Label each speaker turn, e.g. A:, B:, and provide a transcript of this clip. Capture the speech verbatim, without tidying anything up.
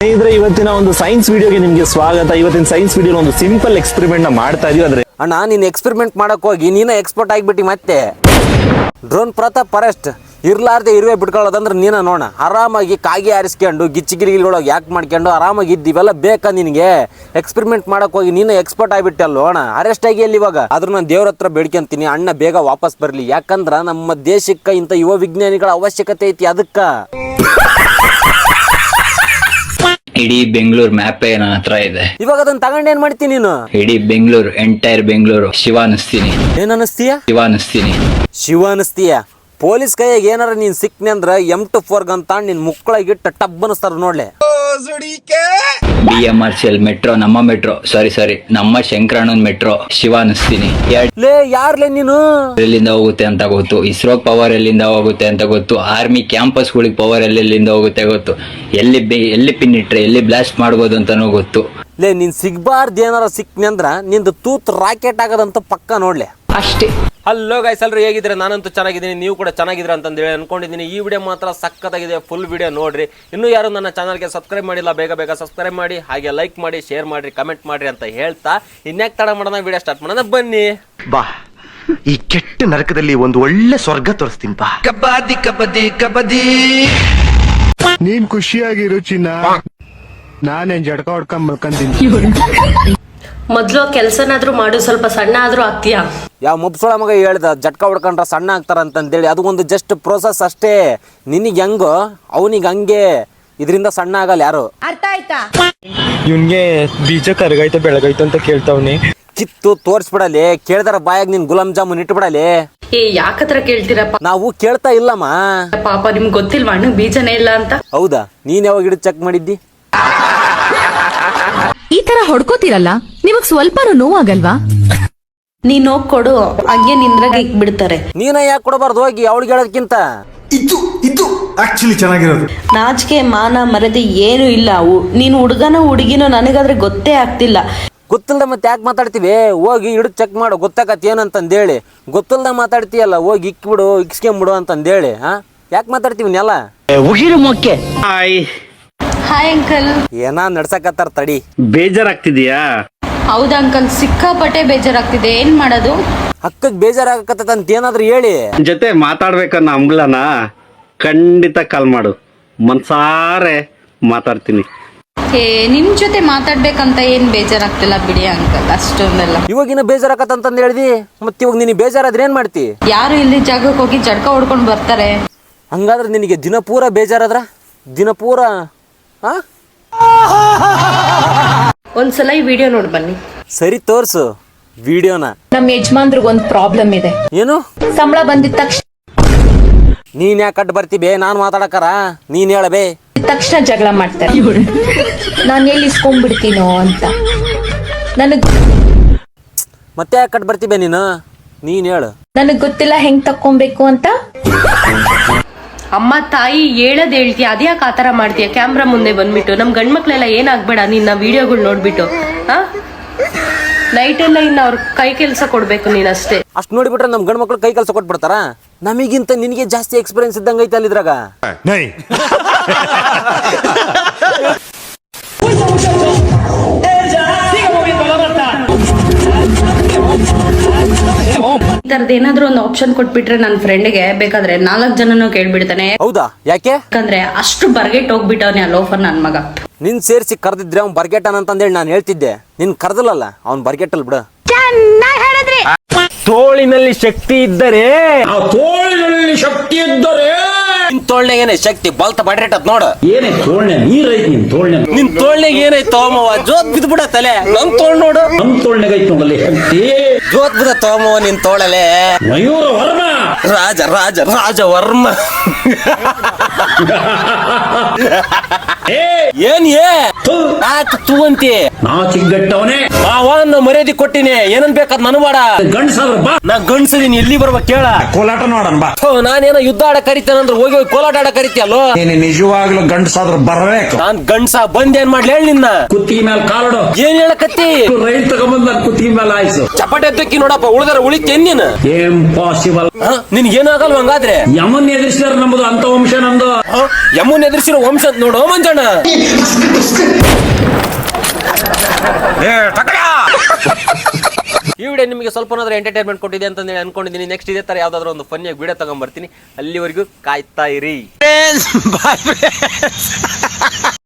A: ಸ್ನೇಹಿತರೆ, ಇವತ್ತಿನ ಒಂದು ಸೈನ್ಸ್ ವಿಡಿಯೋಗೆ ನಿಮಗೆ ಸ್ವಾಗತ. ಇವತ್ತಿನ ಸೈನ್ಸ್ ವಿಡಿಯೋ ಒಂದು ಸಿಂಪಲ್ ಎಕ್ಸ್ಪೆರಿಮೆಂಟ್ ನ ಮಾಡ್ತಾ ಇದೀವಿ. ಅಂದ್ರೆ
B: ಅಣ್ಣ, ನೀನ್ ಎಕ್ಸ್ಪೆರಿಮೆಂಟ್ ಮಾಡಕ್ ಹೋಗಿ ನೀನ ಎಕ್ಸ್ಪರ್ಟ್ ಆಗಿಬಿಟ್ಟಿ. ಮತ್ತೆ ಡ್ರೋನ್ ಪ್ರತಾಪ್ ಫಾರೆಸ್ಟ್ ಇರ್ಲಾರ್ದೆ ಇರುವೆ ಬಿಟ್ಕೊಳ್ಳೋದಂದ್ರೆ ನೀನ ನೋಡ. ಆರಾಮಾಗಿ ಕಾಗಿ ಆರಿಸ್ಕೊಂಡು ಗಿಚ್ಚಿಗಿರಿಗಳೊಳಗೆ ಯಾಕೆ ಮಾಡ್ಕೊಂಡು ಆರಾಮಾಗಿ ಇದ್ದೀವೆಲ್ಲ ಬೇಕಾ ನಿನಗೆ? ಎಕ್ಸ್ಪೆರಿಮೆಂಟ್ ಮಾಡಕ್ ಹೋಗಿ ನೀನು ಎಕ್ಸ್ಪರ್ಟ್ ಆಗಿಬಿಟ್ಟೆ ಅಲ್ಲೋ ಅಣ್ಣ. ಅರೆಸ್ಟ್ ಆಗಿ ಅಲ್ಲಿ ಇವಾಗ. ಆದ್ರೂ ನಾನು ದೇವ್ರ ಹತ್ರ ಬೇಡ್ಕೊಂತೀನಿ, ಅಣ್ಣ ಬೇಗ ವಾಪಸ್ ಬರಲಿ. ಯಾಕಂದ್ರ ನಮ್ಮ ದೇಶಕ್ಕೆ ಇಂಥ ಯುವ ವಿಜ್ಞಾನಿಗಳ ಅವಶ್ಯಕತೆ ಐತಿ. ಅದಕ್ಕ
C: ಇಡೀ ಬೆಂಗಳೂರು ಮ್ಯಾಪೇ ನನ್ನ ಹತ್ರ ಇದೆ.
B: ಇವಾಗ ಅದನ್ನ ತಗೊಂಡ್ ಏನ್ ಮಾಡ್ತೀನಿ ನೀನು?
C: ಇಡೀ ಬೆಂಗಳೂರು, ಎಂಟೈರ್ ಬೆಂಗಳೂರು ಶಿವ ಅನಿಸ್ತೀನಿ.
B: ಏನ್ ಅನಿಸ್ತೀಯ?
C: ಶಿವ ಅನಿಸ್ತೀನಿ.
B: ಶಿವ ಅನಿಸ್ತೀಯ? ಪೊಲೀಸ್ ಕೈಯಾಗ ಏನಾರ ನೀನ್ ಸಿಕ್ನೆ ಅಂದ್ರ ಎಂ ಟು ಫೋರ್ ಗಂತ ನಿನ್ ಮುಕ್ಕಳಾಗಿಟ್ಟ ಟಬ್ ಅನಿಸ್ತಾರ ನೋಡ್ಲೆ.
C: B M R C L metro, ನಮ್ಮ ಮೆಟ್ರೋ, ಸಾರಿ ಸಾರಿ ನಮ್ಮ ಶಂಕರಣ್ಣನ್ ಮೆಟ್ರೋ ಶಿವ ಅನಿಸ್ತೀನಿ.
B: ಲೇ ಯಾರ್ಲೇ ನೀನು?
C: ಎಲ್ಲಿಂದ ಹೋಗುತ್ತೆ ಅಂತ ಗೊತ್ತು, ಇಸ್ರೋ ಪವರ್ ಎಲ್ಲಿಂದ ಹೋಗುತ್ತೆ ಅಂತ ಗೊತ್ತು, ಆರ್ಮಿ ಕ್ಯಾಂಪಸ್ ಗಳಿಗೆ ಪವರ್ ಎಲ್ಲೆಲ್ಲಿಂದ ಹೋಗುತ್ತೆ ಗೊತ್ತು, ಎಲ್ಲಿ ಎಲ್ಲಿ ಪಿನ್ ಇಟ್ರೆ ಎಲ್ಲಿ ಬ್ಲಾಸ್ಟ್ ಮಾಡ್ಬೋದು ಅಂತಾನೂ ಗೊತ್ತು.
B: ಲೇ ನೀನ್ ಸಿಗ್ಬಾರ್ದು ಏನಾರ ಸಿಕ್ನೆ ಅಂದ್ರ ನಿಂದು ತೂತ್ ರಾಕೆಟ್ ಆಗದಂತ ಪಕ್ಕ ನೋಡ್ಲೆ
C: ಅಷ್ಟೇ.
B: ಹಲೋ ಗೈಸ್, ಎಲ್ಲರೂ ಹೇಗಿದ್ರೆ? ನಾನಂತೂ ಚೆನ್ನಾಗಿದ್ದೀನಿ, ನೀವು ಕೂಡ ಚೆನ್ನಾಗಿದ್ರೆ ಅಂತಂದೇಳಿ ಅನ್ಕೊಂಡಿದ್ದೀನಿ. ಈ ವಿಡಿಯೋ ಮಾತ್ರ ಸಕ್ಕತ್ತಾಗಿದೆ, ಫುಲ್ ವಿಡಿಯೋ ನೋಡ್ರಿ. ಇನ್ನೂ ಯಾರು ನನ್ನ ಚಾನಲ್ಗೆ ಸಬ್ಸ್ಕ್ರೈಬ್ ಮಾಡಿಲ್ಲ, ಬೇಗ ಬೇಗ ಸಬ್ಸ್ಕ್ರೈಬ್ ಮಾಡಿ, ಹಾಗೆ ಲೈಕ್ ಮಾಡಿ, ಶೇರ್ ಮಾಡ್ರಿ, ಕಮೆಂಟ್ ಮಾಡ್ರಿ ಅಂತ ಹೇಳ್ತಾ ಇನ್ಯಾಕ್ ತಡ ಮಾಡೋಣ, ವಿಡಿಯೋ ಸ್ಟಾರ್ಟ್ ಮಾಡೋಣ ಬನ್ನಿ.
D: ಬಾ, ಈ ಕೆಟ್ಟ ನರಕದಲ್ಲಿ ಒಂದು ಒಳ್ಳೆ ಸ್ವರ್ಗ ತೋರಿಸ್ತೀನಿ ಬಾ.
E: ಕಬಡ್ಡಿ ಕಬಡ್ಡಿ ಕಬಡ್ಡಿ.
F: ನೀನ್ ಖುಷಿಯಾಗಿರು ಚಿನ್ನ, ನಾನೇನ್ ಜಡ್ಕ ಹೊಡ್ಕೊಂಡ್ ಮಲ್ಕೊಂತೀನಿ.
G: ಮೊದ್ಲು ಕೆಲ್ಸನಾದ್ರೂ ಮಾಡು, ಸ್ವಲ್ಪ ಸಣ್ಣ ಆದ್ರೂ ಆಗ್ತೀಯಾ?
B: ಯಾವ ಮುಬ್ಸೊಳ ಮಗ ಹೇಳ್ದ ಜಟ್ಕ ಹೊಡ್ಕೊಂಡ್ರ ಸಣ್ಣ ಆಗ್ತಾರ ಅಂತಂದೇಳಿ? ಅದು ಒಂದು ಜಸ್ಟ್ ಪ್ರೋಸೆಸ್ ಅಷ್ಟೇ. ನಿನಗೆ ಹೆಂಗೋ ಅವನಿಗೆ ಹಂಗೆ, ಇದರಿಂದ ಸಣ್ಣ ಆಗಲ್ಲ ಯಾರು.
H: ಅರ್ಥ ಆಯ್ತಾ?
F: ಇವ್ನ್ಗೆ ಬೀಜ ಕರಗಾಯ್ತ ಬೆಳಗಾಯ್ತು ಅಂತ ಕೇಳ್ತಾವ್ನಿ.
B: ಕಿತ್ತು ತೋರ್ಸ್ಬಿಡಲಿ, ಕೇಳ್ದಾರ ಬಾಯಾಗ ನಿನ್ ಗುಲಾಬ್ ಜಾಮೂನ್ ಇಟ್ಬಿಡಲಿ.
G: ಏ ಯಾಕತ್ರ ಕೇಳ್ತೀರಪ್ಪ?
B: ನಾವು ಕೇಳ್ತಾ ಇಲ್ಲಮ್ಮ.
G: ಪಾಪ ನಿಮ್ಗೆ ಗೊತ್ತಿಲ್ವಾ ಅಣ್ಣ ಬೀಜನೇ ಇಲ್ಲ ಅಂತ?
B: ಹೌದಾ? ನೀನ್ ಯಾವಾಗ ಹಿಡಿದು ಚೆಕ್ ಮಾಡಿದ್ದಿ?
H: ಈ ತರ ಹೊಡ್ಕೋತಿರಲ್ಲ, ನಿಮಗ್ ಸ್ವಲ್ಪ ನೋವಾಗಲ್ವಾ?
G: ನೀನ್ ಹೋಗ್ ಕೊಡು, ಹಂಗೆ ನಿಂದ್ರಾಗ ಇಕ್ಬಿಡ್ತಾರೆ.
B: ನೀನ ಯಾಕೆ ಕೊಡಬಾರ್ದು ಹೋಗಿ ಅವಳಿಗೆ ಹೇಳೋದಕ್ಕಿಂತ?
E: ಇದು ಇದು ಆಕ್ಚುಲಿ ಚೆನ್ನಾಗಿರೋದು.
G: ನಾಚಿಕೆ ಮಾನ ಮರದಿ ಏನು ಇಲ್ಲ. ಉ- ನೀನ್ ಹುಡುಗನೋ ಹುಡುಗಿನೋ ನನಗಾದ್ರೆ ಗೊತ್ತೇ ಆಗ್ತಿಲ್ಲ.
B: ಗೊತ್ತಿಲ್ದ ಮತ್ತೆ ಯಾಕೆ ಮಾತಾಡ್ತೀವಿ? ಹೋಗಿ ಹಿಡಿದು ಚೆಕ್ ಮಾಡು, ಗೊತ್ತಾಗತ್ತೆ ಏನಂತಂದೇಳಿ. ಗೊತ್ತಿಲ್ದ ಮಾತಾಡ್ತೀಯಲ್ಲ, ಹೋಗಿ ಇಕ್ಬಿಡು, ಇಕ್ಸ್ಕೊಂಬಿಡು ಅಂತಂದೇಳಿ. ಹಾ, ಯಾಕೆ ಮಾತಾಡ್ತೀವಿ ನೆಲ?
C: ಉಗಿರು ಮೊಕ್ಕೆ.
G: Hi uncle.
B: ಏನ ನಡ್ಸಕತ್ತಾರ ತಡಿ.
A: ಬೇಜಾರಾಗ್ತಿದ್ಯಾ?
G: ಹೌದಾ ಅಂಕಲ್, ಸಿಕ್ಕಾಪಟ್ಟೆ ಬೇಜಾರಾಗ್ತಿದೆ, ಏನ್ ಮಾಡೋದು?
B: ಅಕ್ಕಗ್ ಬೇಜಾರಾಗಕತ್ತಂತ ಏನಾದ್ರು ಹೇಳಿ.
A: ಜೊತೆ ಮಾತಾಡ್ಬೇಕನ್ನ ಅಂಗ್ಲನ ಖಂಡಿತ ಕಾಲ್ ಮಾಡು, ಮನ್ಸಾರೆ ಮಾತಾಡ್ತೀನಿ.
G: ಏ ನಿಮ್ ಜೊತೆ ಮಾತಾಡ್ಬೇಕಂತ ಏನ್ ಬೇಜಾರಾಗ್ತಿಲ್ಲ ಬಿಡಿ ಅಂಕಲ್, ಅಷ್ಟೊಂದೆಲ್ಲ.
B: ಇವಾಗಿನ ಬೇಜಾರಾಕತ್ತಂತಂದ್ ಹೇಳ್ದಿ, ಮತ್ ಇವಾಗ ನಿನಗೆ ಬೇಜಾರಾದ್ರೆ ಏನ್ ಮಾಡ್ತಿ?
G: ಯಾರು ಇಲ್ಲಿ ಜಾಗಕ್ಕೆ ಹೋಗಿ ಜಡ್ಕ ಹೊಡ್ಕೊಂಡ್ ಬರ್ತಾರೆ.
B: ಹಂಗಾದ್ರೆ ನಿನಗೆ ದಿನ ಪೂರ ಬೇಜಾರಾದ್ರ ದಿನ ಪೂರ ಹಾ?
G: ಒಂದ್ಸಲ ಈ ವಿಡಿಯೋ ನೋಡ್ ಬನ್ನಿ.
B: ಸರಿ ತೋರ್ಸು ವಿಡಿಯೋನ.
H: ನಮ್ ಯಜಮಾನ್ರಿಗೆ ಒಂದ್ ಪ್ರಾಬ್ಲಮ್ ಇದೆ.
B: ಏನು?
H: ಸಂಬಳ ಬಂದಿದ ತಕ್ಷಣ
B: ನೀನ್ ಯಾಕೆ ಕಟ್ ಬರ್ತೀಬೇ? ನಾನ್ ಮಾತಾಡಕರ ನೀನ್ ಹೇಳಬೇ.
H: ತಕ್ಷಣ ಜಗಳ ಮಾಡ್ತಾರೆ. ನಾನ್ ಎಲ್ಲಿ ಇಸ್ಕೊಂಡ್ಬಿಡ್ತೀನೋ ಅಂತ. ನನಗ್
B: ಮತ್ತೆ ಯಾಕೆ ಕಟ್ ಬರ್ತೀಬೇ ನೀನು? ನೀನ್ ಹೇಳು.
H: ನನಗ್ ಗೊತ್ತಿಲ್ಲ ಹೆಂಗ್ ತಕ್ಕೊಬೇಕು ಅಂತ.
G: ಅಮ್ಮ ತಾಯಿ ಹೇಳದ್ ಹೇಳ್ತೀಯ, ಅದ್ಯಾಕೆ ಆತರ ಮಾಡ್ತೀಯ? ಕ್ಯಾಮ್ರಾ ಮುಂದೆ ಬಂದ್ಬಿಟ್ಟು ನಮ್ ಗಂಡ್ ಮಕ್ಳೆಲ್ಲ ಏನಾಗ್ಬೇಡ ನಿನ್ನ ವಿಡಿಯೋಗಳು ನೋಡ್ಬಿಟ್ಟು. ಹಾ, ನೈಟ್ ಎಲ್ಲ ಇನ್ನ ಅವ್ರ ಕೈ ಕೆಲ್ಸ ಕೊಡ್ಬೇಕು ನೀನಷ್ಟೇ.
B: ಅಷ್ಟ್ ನೋಡಿಬಿಟ್ರೆ ನಮ್ ಗಂಡ್ ಮಕ್ಳು ಕೈ ಕೆಲಸ ಕೊಟ್ಬಿಡ್ತಾರ? ನಮಗಿಂತ ನಿನಗೆ ಜಾಸ್ತಿ ಎಕ್ಸ್ಪೀರಿಯನ್ಸ್ ಇದ್ದಂಗ ಐತೆ ಅಲ್ಲಿದ್ರಾಗ.
G: ಈ ತರದ್ ಏನಾದ್ರು ಒಂದು ಆಪ್ಷನ್ ಕೊಟ್ಬಿಟ್ರೆ ನನ್ನ ಫ್ರೆಂಡ್ಗೆ ಬೇಕಾದ್ರೆ ನಾಲ್ಕ್ ಜನನು ಕೇಳ್ಬಿಡ್ತಾನೆ.
B: ಹೌದಾ? ಯಾಕೆ?
G: ಯಾಕಂದ್ರೆ ಅಷ್ಟು ಬರ್ಗೆಟ್ ಹೋಗ್ಬಿಟ್ಟವ್ನೆ ಆ ಲೋಫರ್ ನನ್ ಮಗ.
B: ನಿನ್ ಸೇರ್ಸಿ ಕರ್ದಿದ್ರೆ ಅವ್ನ್ ಬರ್ಗೆಟನ್ ಅಂತಂದೇಳಿ ನಾನು ಹೇಳ್ತಿದ್ದೆ. ನಿನ್ ಕರ್ದಲ್ಲ, ಅವ್ನ್ ಬರ್ಗೆಟಲ್ ಬಿಡು.
A: ತೋಳಿನಲ್ಲಿ ಶಕ್ತಿ ಇದ್ದರೆ
E: ತೋಳಿನಲ್ಲಿ ಶಕ್ತಿ ಇದ್ದರೆ
B: ನಿನ್ ತೋಳ್ನಾಗ ಏನೇ ಶಕ್ತಿ ಬಲ್ತ ಬಡ್ರೇಟತ್ ನೋಡು.
E: ಏನೇ ತೋಳ್ನೆ ನೀರೈತಿ ನಿನ್ ತೋಳ್ನೆ.
B: ನಿನ್ ತೋಳ್ನಾಗ ಏನೈತ್ ತೋಮವ? ಜೋತ್ ಬಿದ್ ಬಿಡ ತಲೆ. ನನ್ ತೋಳ್ ನೋಡು,
E: ನಮ್ ತೋಳ್ನಾಗ ಐತಿ ನೋಡಲ್ಲಿ ಶಕ್ತಿ.
B: ಜೋತ್ ಬಿದ ತೋಮವ ನಿನ್ ತೋಳಲೆ.
E: ಮಯೂರ ವರ್ಮ,
B: ರಾಜ ರಾಜ ರಾಜ ವರ್ಮ. ಏನ್ ಏ ತೂ ಅಂತಿ?
E: ನಾ ಚಿಕ್ಕಟ್ಟವನೇ,
B: ಮಾವನ್ನ ಮರ್ಯಾದೆ ಕೊಟ್ಟಿನಿ, ಏನನ್ ಬೇಕಾದ್ ನನ್ ಬೇಡ.
E: ಗಂಡಸಾದ್ರ ಬಾ,
B: ನಾ ಗಂಡ್ಸದೀನಿ, ಎಲ್ಲಿ ಬರ್ಬೇಕು ಕೇಳ?
E: ಕೋಲಾಟ ನೋಡನ್ ಬಾ.
B: ನಾನೇನೋ ಯುದ್ಧ ಆಡ ಕರಿತೇನಂದ್ರೆ ಹೋಗಿ ಹೋಗಿ ಕೋಲಾಟ ಆಡ ಕರಿತೀಯಲ್ಲೋ.
E: ನೀನು ನಿಜವಾಗ್ಲೂ ಗಂಡಸಾದ್ರ ಬರ್ಬೇಕು.
B: ನಾನ್ ಗಂಡ್ಸ ಬಂದೇನ್ ಮಾಡ್ಲಿ ಹೇಳಿ ನಿನ್ನ?
E: ಕುತ್ತಿಗೆ ಮೇಲೆ ಕಾಲಡು.
B: ಏನ್ ಹೇಳಕತ್ತಿ?
E: ರೈಲ್ ತಗೊಂಬಂದ್ ನನ್ ಕುತ್ತಿಗೆ ಮೇಲೆ ಆಯ್ಸು.
B: ಚಪಾಟಿ ಎದ್ದಕ್ಕಿ ನೋಡಪ್ಪ, ಉಳಿದಾರ ಉಳಿತೇನ್ ನೀನು?
E: ಇಂಪಾಸಿಬಲ್.
B: ನಿನ್ಗೇನಾಗಲ್ವ ಹಂಗಾದ್ರೆ?
E: ಯಮನ್ ಎದುರಿಸಿದಾರ ನಮ್ಮ ಎಂಬುದು ಅಂತ ವಂಶ ನಂದು.
B: ಯಮುನ್ ಎದುರಿಸಿರೋ ವಂಶ ನೋಡೋ ಮಂಜಣ್ಣ. ಈ ವಿಡಿಯೋ ನಿಮಗೆ ಸ್ವಲ್ಪ ಎಂಟರ್ಟೈನ್ಮೆಂಟ್ ಕೊಟ್ಟಿದೆ ಅಂತ ಅನ್ಕೊಂಡಿದ್ದೀನಿ. ನೆಕ್ಸ್ಟ್ ಇದೇ ತರ ಯಾವ್ದಾದ್ರು ಒಂದು ಫನ್ನಿಯಾಗಿ ವಿಡಿಯೋ ತಗೊಂಡ್ಬರ್ತೀನಿ. ಅಲ್ಲಿವರೆಗೂ ಕಾಯ್ತಾ ಇರಿ.